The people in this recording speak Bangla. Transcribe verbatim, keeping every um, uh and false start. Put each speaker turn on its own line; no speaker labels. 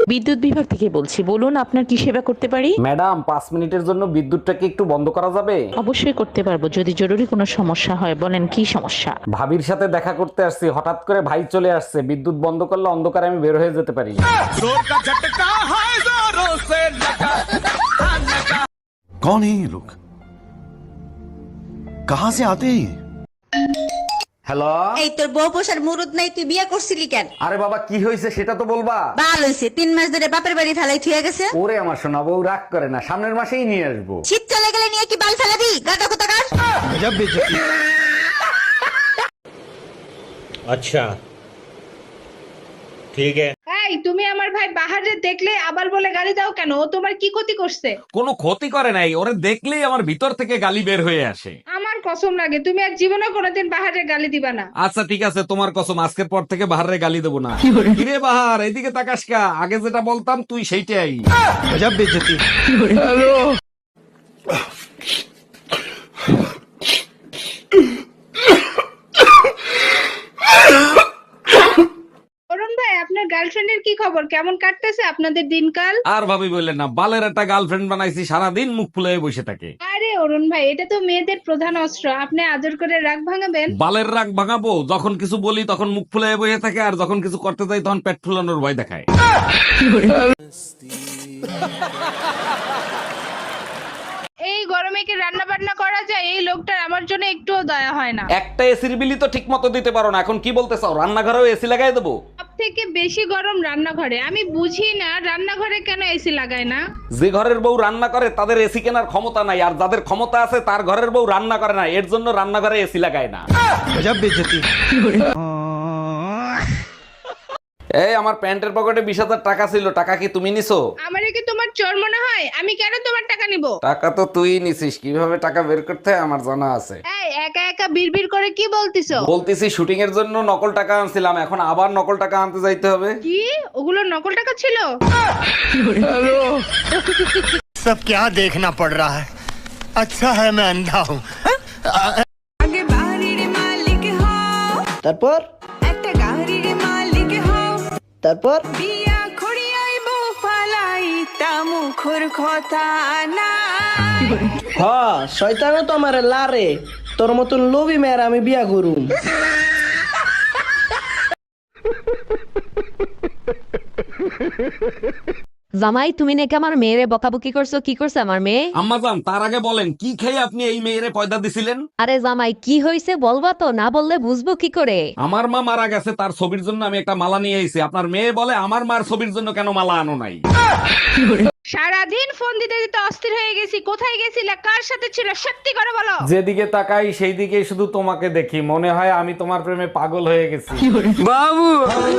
বিদ্যুৎ বিভাগ থেকে বলছি, বলুন আপনার কি সেবা করতে পারি।
ম্যাডাম, পাঁচ মিনিটের জন্য বিদ্যুৎটাকে একটু বন্ধ করা যাবে?
অবশ্যই করতে পারবো, যদি জরুরি কোনো সমস্যা হয়। বলেন কি সমস্যা।
ভাবির সাথে দেখা করতে আসছি, হঠাৎ করে ভাই চলে আসছে। বিদ্যুৎ বন্ধ করলে অন্ধকারে আমি বের হয়ে যেতে পারি।
कौन है ये लोग? कहां से आते हैं?
হ্যালো।
এই তোর বউ পোষার মুরুদ নাই, তুই বিয়ে করছিলি কেন?
আরে বাবা, কি হয়েছে সেটা তো বলবা।
বাল হইছে, তিন মাস ধরে বাপের বাড়ি ফেলাই থুয়ে গেছে।
ওরে আমার সোনা বউ, রাগ করে না, সামনের মাসেই নিয়ে আসবো।
শীত চলে গেলে নিয়ে কি বাল ফেলাবি? গাটা কোথাকার।
अच्छा ठीक है।
এই তুমি আমার ভাই বাহারে দেখলে আবার বলে গালি দাও কেন? ও তোমার কি ক্ষতি করছে?
কোনো ক্ষতি করে নাই, ওরে দেখলেই আমার ভিতর থেকে গালি বের হয়ে আসে।
আমার কসম লাগে তুমি আর জীবনে কোনোদিন বাহারে গালি দিবা না।
আচ্ছা ঠিক আছে, তোমার কসম, আজকের পর থেকে বাহারে গালি দেবো না। কিরে বাহার, এদিকে তাকাস কা? আগে যেটা বলতাম তুই সেইটাই।
অরুণ ভাই, আপনার গার্লফ্রেন্ডের কি খবর? কেমন কাটতেছে আপনাদের দিনকাল?
আর ভাবি বললেন না, বালের একটা গার্লফ্রেন্ড বানাইছি, সারাদিন মুখ ফুলে বসে থাকে।
আরে অরুণ ভাই, এটা তো মেয়েদের প্রধান অস্ত্র, আপনি আদর করে রাগ ভাঙাবেন।
বালের রাগ ভাঙাবো? যখন কিছু বলি তখন মুখ ফুলে বসে থাকে, আর যখন কিছু করতে যাই তখন পেট ফুলানোর ভয় দেখায়।
এই গরমে কি রান্না বান্না করা যায়? এই লোকটার আমার জন্য একটুও দয়া হয় না।
একটা এসির বিলি তো ঠিক মতো দিতে পারো না, এখন কি বলতে চাও রান্নাঘরেও এসি লাগাই দেবো?
সব থেকে বেশি গরম রান্নাঘরে। আমি বুঝি না রান্নাঘরে কেন এসি লাগায় না।
যে ঘরের বউ রান্না করে তাদের এসি কেনার ক্ষমতা নাই, আর যাদের ক্ষমতা আছে তার ঘরের বউ রান্না করে না, এর জন্য রান্নাঘরে এসি লাগায় না। এই আমার প্যান্টের পকেটে বিশ হাজার টাকা ছিল, টাকা কি তুমি নিছো?
আমারে কি তোমার চোর মনে হয়? আমি কেন তোমার টাকা নিব?
টাকা তো তুই নিছিস, কিভাবে টাকা বের করতে হয় আমার জানা আছে।
এই একা একা বিড়বিড় করে কি বলতিছো?
বলতেছি শুটিং এর জন্য নকল টাকা আনছিলাম, এখন আবার নকল টাকা আনতে যাইতে হবে।
কি ওগুলো নকল টাকা ছিল?
सब क्या देखना पड़ रहा है? अच्छा है मैं अंधा हूँ।
আগে বাড়ির মালিক হও,
তারপর
একটা গাড়ির মালিক হও,
তারপর
বিয়া খড়িয়াইব ফালাই তা মুখর কথা না।
হ শয়তানও তো আমার লারে, তোর মতন লোভী মেয়ের আমি বিয়া করুম।
জামাই, তুমি নাকি আমার মেয়েরে বকাবকি করছো? কি করছে আমার মেয়ে?
আম্মাজান, তার আগে বলেন কি খেয়ে আপনি এই মেয়েরে পয়দা দিছিলেন?
আরে জামাই, কি হয়েছে বলবা তো, না বললে বুঝবো কি করে?
আমার মা মারা গেছে, তার ছবির জন্য আমি একটা মালা নিয়ে এসেছি। আপনার মেয়ে বলে আমার মার ছবির জন্য কেন মালা আনো নাই?
সারাদিন ফোন দিতে দিতে অস্থির হয়ে গেছি। কোথায় গেছিলে? কার সাথে ছিল? সত্যি করে বলো।
যেদিকে তাকাই সেই দিকেই শুধু তোমাকে দেখি, মনে হয় আমি তোমার প্রেমে পাগল হয়ে গেছি।
বাবু